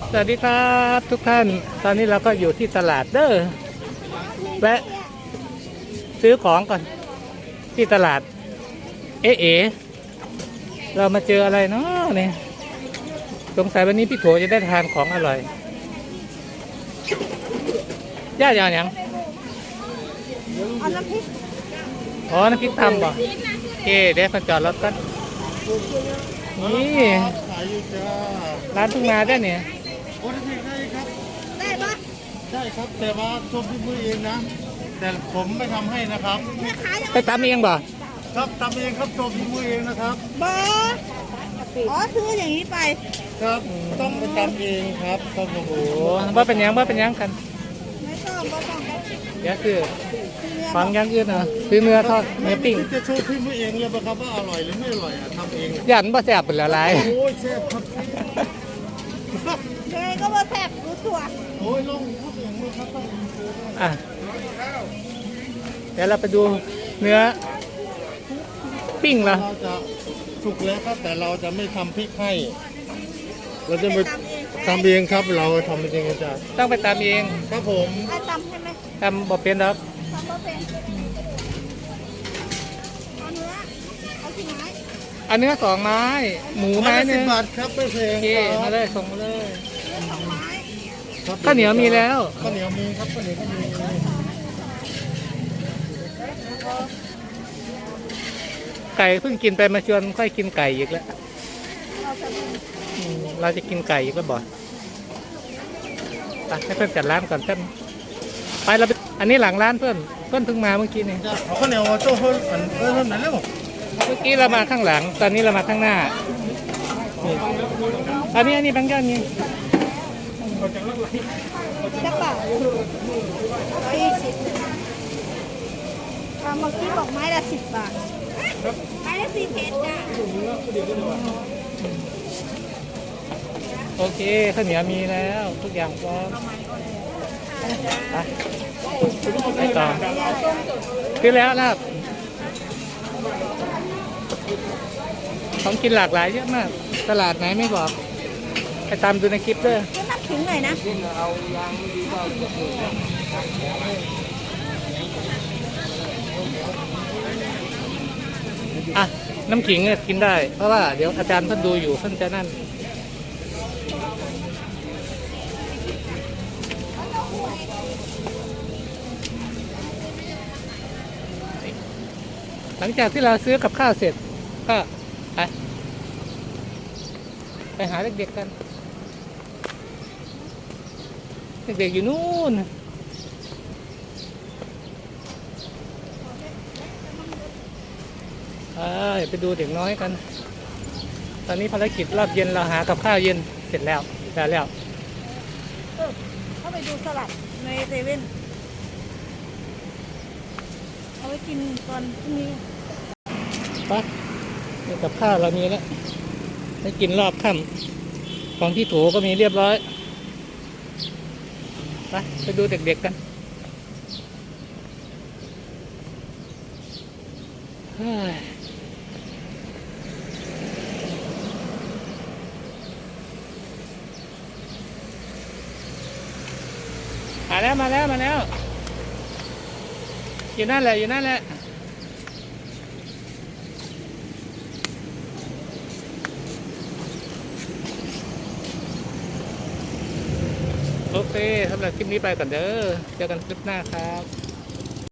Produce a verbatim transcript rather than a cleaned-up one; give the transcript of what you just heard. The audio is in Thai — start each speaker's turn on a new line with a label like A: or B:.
A: สวัสดีครับทุกท่านตอนนี้เราก็อยู่ที่ตลาดเด้อแวะซื้อของก่อนที่ตลาดเอ๋เอ๋เรามาเจออะไรเนาะเนี่ยสงสัยวันนี้พี่โถจะได้ทานของอร่อยย่าอย่างยัง
B: เอาน้ำพริก
A: อ๋อน้ำพริกตำบ่โอเคเดี๋ยวคนจอดรถกันนี่
C: ขายอยู่จ้า
A: ร้านทุ่งนาได้เนี่ย
C: โอ้ได้ได้ครับ
B: ได้ปะ
C: ได้ครับ แต่ว่าชมที่มือเองนะ แต่ผมไม่ทำให้นะครับ
B: แม่ค้ายัง
A: ไปตำเองบ่
C: ครับทำเองครับชมที่มือเองนะครับ
B: บออ๋อซื้ออย่างนี้ไป
C: ครับต้องไปทำเองครับครับผม
A: โอ้ว่าเป็นยังว่าเป็นยังกัน
B: ไม่ต้องไม่ต้อง
A: เดี๋ยวคือ
B: ซื้อเนื้อ
A: ฟังอยังอื่นเหรอซื้อเนื้อทอดเนื้อปิ้ง
C: จะโชว์ที่มือเองเลยครับว่าอร่อยหรือไม่อร่อยอ่ะทำเองอะ
A: ยันบ่แซ่บเป็นละลาย
C: โอ้ยแซ่บครับ
B: ยังไงก็มาแทบรู้ตัว
C: โอ้ยลงพูดอย่างนี้ครับต้อง
A: อ่ะเดี๋ยวเราไปดูเนื้อปิ้งเหรอ
C: เราจะสุกแล้วครับแต่เราจะไม่ทำพริกให้เราจะไปทำเองครับเราทำเองจ้า
A: ต้องไปตามเอง
C: ครับผม
B: ไอ้ตำใช่ไหม
A: ตามบ่เป็นครับ
B: ตำบ่เป็นเอาเนื้อเอากี่ไม้
A: อันเนื้อสองไม้ หมูไม้ห
C: สิ
A: นึ่
C: บ
A: ง
C: บาทครับไม่แพง
A: โอเค
C: ค
A: มา
C: รับ
A: เลยส่งมาเลย
B: เนื้อสองไม้
C: ครับ
A: ข้าวเหนียวมีแล้ว
C: ข้าวเหนียวมีครับข้าวเหนียวก็มี
A: ไก่เพิ่งกินไปมาชวนค่อยกินไก่อีกแล้ว
B: เราจะดู
A: อืมเราจะกินไก่อีกแล้วบ่ไปให้เพื่อนจัดร้านก่อนเพื่อนไปเราไปอันนี้หลังร้านเพื่อนเพื่อนเพิ่งมาเมื่อกี้นี่
C: จะเอาข้าวเหนียวโจ้เพิ่มอันเพิ่มไหนเร็ว
A: เมื่อกี้เรามาข้างหลัง ตอนนี้เรามาข้างหน้านี่อันนี้อันนี้บางย่านนี่
B: จะเปล่าร้อยยี่สิบตามเมื่อกี้บอกไม้ละสิบบาทไม้ละสี่เพชรจ้ะ
A: โอเคข้าวเหนียวมีแล้วทุกอย่างพร้อมไปไปต่อซื้อแล้วนะครับของกินหลากหลายเยอะมาก ตลาดไหนไม่บอกไปตามดูในคลิปด้วย
B: ก็นับถึงหน่อยนะ
A: อ่ะน้ำขิงเนี่ยกินได้ เพราะว่าเดี๋ยวอาจารย์ท่านดูอยู่ท่านจะนั่นหลังจากที่เราซื้อกับข้าวเสร็จก็ไปไปหาเด็กๆกัน เด็กๆอยู่นู่นไปดูเด็กน้อยกัน ตอนนี้ภารกิจรอบเย็นเราหากับข้าวเย็นเสร็จแล้วได้แล้ว
B: เออเข้าไปดูสลัดในเซเว่นเอาไว้กินตอนพรุ่งนี้
A: ไปนี่กับข้าวเรามีแล้วให้กินรอบค่ำของที่โถก็มีเรียบร้อยไปไปดูเด็กๆกันเฮ้ยมาแล้วมาแล้วมาแล้วอยู่นั่นแหละอยู่นั่นแหละโอเคสำหรับคลิปนี้ไปก่อนเด้อเจอกันคลิปหน้าครับ